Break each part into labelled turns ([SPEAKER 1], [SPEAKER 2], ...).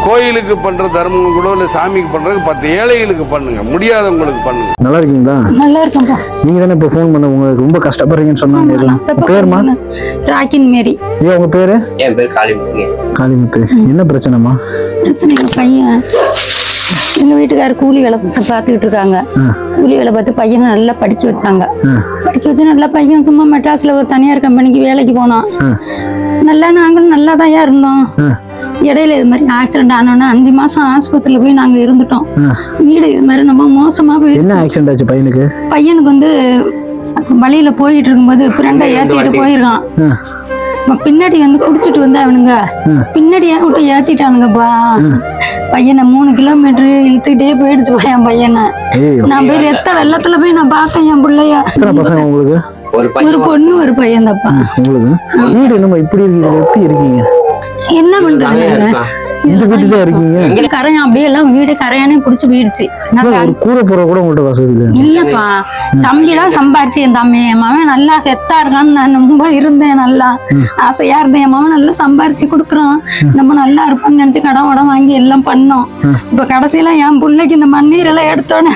[SPEAKER 1] கோயிலுக்கு பண்ற தர்மம் கூட இல்ல சாமிக்கு பண்றது 10 ஏழைகளுக்கு பண்ணுங்க, முடியாதவங்களுக்கு பண்ணுங்க.
[SPEAKER 2] நல்லா இருக்கீங்களா?
[SPEAKER 3] நல்லா இருக்கேன்ப்பா.
[SPEAKER 2] நீங்க தானே இப்ப ஃபோன் பண்ண, உங்களுக்கு ரொம்ப கஷ்டப்படுறீங்கன்னு சொன்னாங்க. பேருமா?
[SPEAKER 3] ராக்கின் மேரி.
[SPEAKER 2] ஏன் உங்க பேரு?
[SPEAKER 4] என் பேர் காளிமுத்து.
[SPEAKER 2] காளிமுத்து. என்ன பிரச்சனைமா?
[SPEAKER 3] பிரச்சனை எங்க பையன், எங்க வீட்டுக்காரர் கூலி வேலை பார்த்துக்கிட்டு இருக்காங்க. கூலி வேலை பார்த்து பையனை நல்லா படிச்சு வச்சாங்க. படிக்க வச்சு நல்லா பையன் சும்மா மெட்ராஸ்ல ஒரு தனியார் கம்பெனிக்கு வேலைக்கு போனான். நல்லா நாங்களும் நல்லா தான் இருந்தோம். இடையில இது மாதிரி ஆக்சிடென்ட் ஆனோன்னா 5 மாசம் ஆஸ்பத்திரியில போய் நாங்க இருந்துட்டோம். வீடு இது மாதிரி நம்ம மோசமா போய்.
[SPEAKER 2] என்ன ஆக்சிடென்ட் ஆச்சு பையனுக்கு?
[SPEAKER 3] பையனுக்கு வந்து வழியில போயிட்டு இருக்கும்போது ஃப்ரெண்டை ஏத்திட்டு போயிருக்கான். பின்னாடி வந்து குடிச்சிட்டு வந்து அவனுங்க பின்னாடி விட்டு ஏத்திட்டானுங்கப்பா. பையனை 3 கிலோமீட்டர் இழுத்துக்கிட்டே போயிடுச்சு என் பையனை. நான் போய் ரத்த வெள்ளத்துல போய் நான் பார்த்தேன் என் பிள்ளைய.
[SPEAKER 2] உங்களுக்கு
[SPEAKER 3] ஒரு பொண்ணு ஒரு பையன் தான்ப்பா.
[SPEAKER 2] உங்களுக்கு வீடு என்னமா இப்படி இருக்கீங்க? எப்படி இருக்கீங்க?
[SPEAKER 3] என்ன பண்றாங்க?
[SPEAKER 2] இந்த வீட்டுல இருக்கீங்க?
[SPEAKER 3] கரையான் அப்படியே எல்லாம் வீடு கரையானே புடிச்சு போயிடுச்சு.
[SPEAKER 2] கூரை போற கூட உங்கள்ட்ட வசதி இல்ல?
[SPEAKER 3] இல்லப்பா, தம்பி எல்லாம் சம்பாரிச்சு என் தம்பி என் மகன் நல்லா கெத்தா இருக்கான்னு நான் ரொம்ப இருந்தேன். நல்லா ஆசையா இருந்தேன். என் மகன் நல்லா சம்பாரிச்சு கொடுக்குறான், நம்ம நல்லா இருப்போம்னு நினைச்சு கடன் உடம் வாங்கி எல்லாம் பண்ணோம். இப்ப கடைசியில என் பிள்ளைக்கு இந்த மண்ணீர் எல்லாம் எடுத்தோன்னு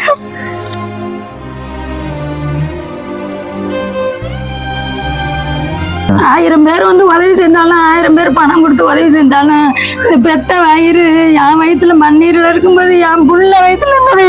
[SPEAKER 3] 1000 பேர் வந்து உதவி செஞ்சாலும் 1000 பேர் பணம் கொடுத்து உதவி செஞ்சாலும் இந்த பெத்த வயிறு என் வயிற்றுல மண்ணீரில் இருக்கும்போது என் புள்ள வயிற்றுல இருந்ததை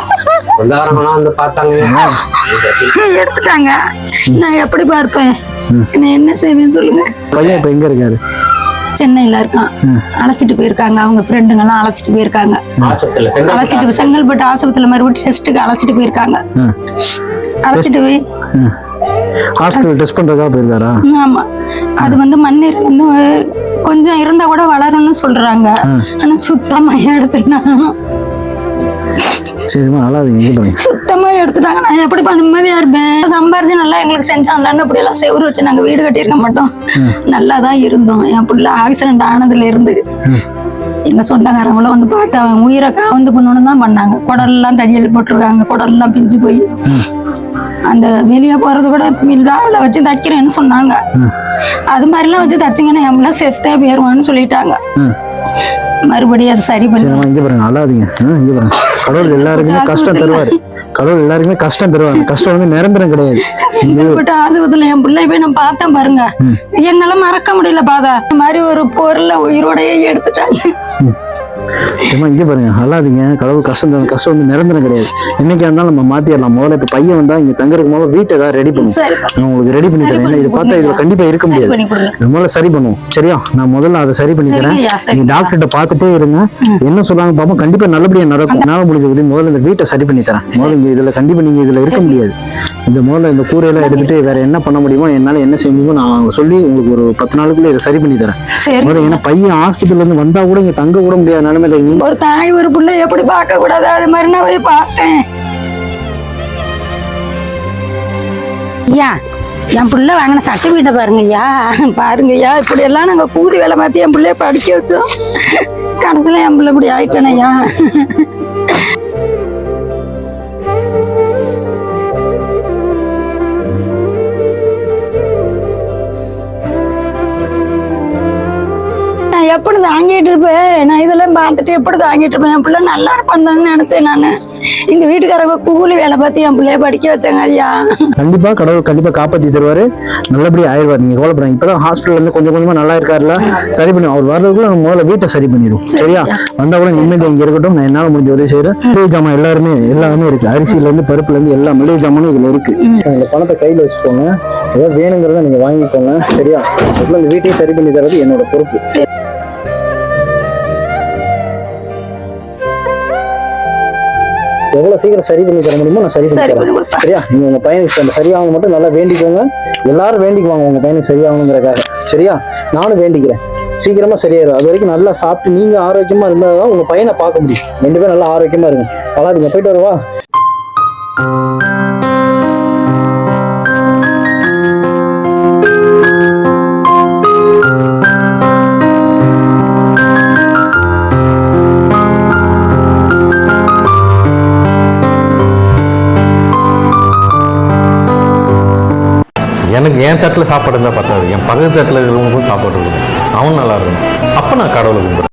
[SPEAKER 3] எடுத்துட்டாங்க. நான் எப்படி பார்ப்பேன்? நான் என்ன செய்வேன்னு சொல்லுங்க.
[SPEAKER 2] பையன் இப்ப எங்க இருக்காரு?
[SPEAKER 3] சென்னையில இருக்கான். அழைச்சிட்டு போயிருக்காங்க, அவங்க ஃப்ரெண்டுங்க எல்லாம் அழைச்சிட்டு போயிருக்காங்க. அழைச்சிட்டு செங்கல்பட்டு ஆஸ்பத்திரியில மறுபடியும் டெஸ்ட்டுக்கு அழைச்சிட்டு போயிருக்காங்க. அழைச்சிட்டு போய்
[SPEAKER 2] ஹாஸ்பிடல் டெஸ்ட் பண்றதுக்காக போயிருக்காரா?
[SPEAKER 3] ஆமா. அது வந்து மண்ணீர் வந்து கொஞ்சம் இருந்தா கூட வளரும்னு சொல்றாங்க. ஆனா சுத்தமா எடுத்துட்டாங்க.
[SPEAKER 2] சரிமா, அழாதீங்க.
[SPEAKER 3] சுத்தமா எடுத்துட்டாங்க. நான் எப்படி நிம்மதியா இருப்பேன்? சம்பாரிச்சு நல்லா எங்களுக்கு செஞ்சாங்களான்னு அப்படி எல்லாம் செவுரு வச்சு நாங்க வீடு கட்டியிருக்க மாட்டோம். நல்லா தான் இருந்தோம். என் பிள்ளை ஆக்சிடென்ட் ஆனதுல இருந்து எங்க சொந்தக்காரங்களும் வந்து பார்த்து அவன் உயிரை காவந்து பண்ணணும்னு தான் பண்ணாங்க. குடல்லாம் தையல் போட்டிருக்காங்க, குடல்லாம் பிஞ்சு போய் அந்த வெளியே போறது கூட விழாவில் வச்சு தைக்கிறேன்னு சொன்னாங்க. அது மாதிரிலாம் வச்சு தைச்சிங்கன்னா எல்லாம் செத்தே போயிருவான்னு சொல்லிட்டாங்க. மறுபடியும் அது சரி பண்ணி
[SPEAKER 2] இங்க பாருங்க, அழாதீங்க. இங்க பாருங்க, கடவுள் எல்லாருக்குமே கஷ்டம் தருவாரு. கடவுள் எல்லாருக்குமே கஷ்டம் தருவாங்க. கஷ்டம் வந்து நிரந்தரம் கிடையாது.
[SPEAKER 3] ஆஸ்பத்திரியில என் பிள்ளை போய் நான் பார்த்தேன் பாருங்க, என்னால மறக்க முடியல. பாதா இந்த மாதிரி ஒரு பொருளை உயிரோடையே எடுத்துட்டாங்க.
[SPEAKER 2] இங்க பாருங்க, அழாதீங்க. கடவுள் கஷ்டம் வந்து நிரந்தரம் கிடையாது. என்னைக்கா இருந்தாலும் நம்ம மாத்திடலாம். முதல்ல இப்ப பையன் வந்தா இங்க தங்கறதுக்கு முதல்ல வீட்டை ஏதாவது ரெடி பண்ணும். நான் உங்களுக்கு ரெடி பண்ணி தரேன். ஏன்னா இது பார்த்தா இதுல கண்டிப்பா இருக்க முடியாது. முதல்ல சரி பண்ணுவோம், சரியா? நான் முதல்ல அதை சரி பண்ணி தரேன். நீங்க டாக்டர்கிட்ட பார்த்துட்டே இருங்க, என்ன சொல்றாங்க பாப்போம். கண்டிப்பா நல்லபடியா நடக்கும். நான் முடிஞ்ச உதவி முதல்ல இந்த வீட்டை சரி பண்ணி தரேன். முதல்ல இங்க இதுல கண்டிப்பா நீங்க இதுல இருக்க முடியாது. இந்த முதல்ல இந்த கூரையெல்லாம் எடுத்துட்டு வேற என்ன பண்ண முடியுமோ, என்னால என்ன செய்ய முடியுமோ நான் சொல்லி உங்களுக்கு ஒரு 10 நாளுக்குள்ள இதை சரி பண்ணி தரேன். ஏன்னா பையன் ஆஸ்பத்திரியில இருந்து வந்தா கூட இங்க தங்க கூட முடியாத நிலைமையில
[SPEAKER 3] ஒரு தாய் ஒரு பிள்ளை எப்படி பார்க்க கூடாது, அது மாதிரி நான் போய் பார்த்தேன். ஐயா, என் பிள்ளை வாங்கின சர்டிபிகேட்டை பாருங்க ஐயா, பாருங்க ஐயா. இப்படி எல்லாம் நாங்க கூலி வேலை மாத்தி என் பிள்ளைய படிக்க வச்சோம். கடைசியில என் பிள்ளை இப்படி ஆயிட்டேன் ஐயா. எப்படி தாங்கிட்டு இருப்பேன் நான்? இதெல்லாம் பார்த்துட்டு எப்படி தாங்கிட்டு இருப்பேன்? என் பிள்ளை நல்லா இருப்பான்னு நினைச்சேன் நானு. எங்க வீட்டுக்காரங்க கூலி வேலை பார்த்து என் பிள்ளைய படிக்க வச்சாங்க ஐயா. கண்டிப்பா
[SPEAKER 2] கடவுள் கண்டிப்பா காப்பாத்தி தருவாரு, நல்லபடியா ஆயிடுவார். நீங்க கவலைப்படாங்க. இப்பதான் ஹாஸ்பிட்டல் இருந்து கொஞ்சம் கொஞ்சமா நல்லா இருக்காருல, சரி பண்ணி அவர் வர்றதுக்குள்ள நம்ம முதல்ல வீட்டை சரி பண்ணிடுவோம், சரியா? வந்தா கூட நிம்மதி இங்க இருக்கட்டும். நான் என்னால முடிஞ்ச உதவி செய்யறேன். மளிகை ஜாமான் எல்லாமே இருக்கு. அரிசியில இருந்து பருப்புல இருந்து எல்லா மளிகை ஜாமானும் இதுல இருக்கு. உங்க பணத்தை கையில வச்சுக்கோங்க. ஏதாவது வேணுங்கிறத நீங்க வாங்கிக்கோங்க, சரியா? இந்த வீட்டையும் சரி பண்ணி தரது என்னோட பொறுப்பு. எவ்வளவு சீக்கிரம் சரி பண்ணி தர முடியுமோ நான் சரி பண்ணி தரேன், சரியா? நீங்க உங்க பையனுக்கு அந்த சரியாகணும் மட்டும் நல்லா வேண்டிக்கோங்க. எல்லாரும் வேண்டிக்குவாங்க உங்க பையனுக்கு சரியாகணுங்கிறக்காக, சரியா? நானும் வேண்டிக்கிறேன் சீக்கிரமா சரியாயிரும். அது வரைக்கும் நல்லா சாப்பிட்டு நீங்க ஆரோக்கியமா இருந்தாதான் உங்க பையனை பார்க்க முடியும். 2 பேரும் நல்லா ஆரோக்கியமா இருங்க. அழாதீங்க. போயிட்டு வருவா.
[SPEAKER 5] எனக்கு என் தட்டில் சாப்பாடு இருந்தால் பத்தாது, என் பக்கத்து தட்டில் இருக்கிறவங்களுக்கும் சாப்பாடு இருக்கணும், அவன் நல்லா இருக்கணும். அப்போ நான் கடவுளை கும்பிடுறேன்.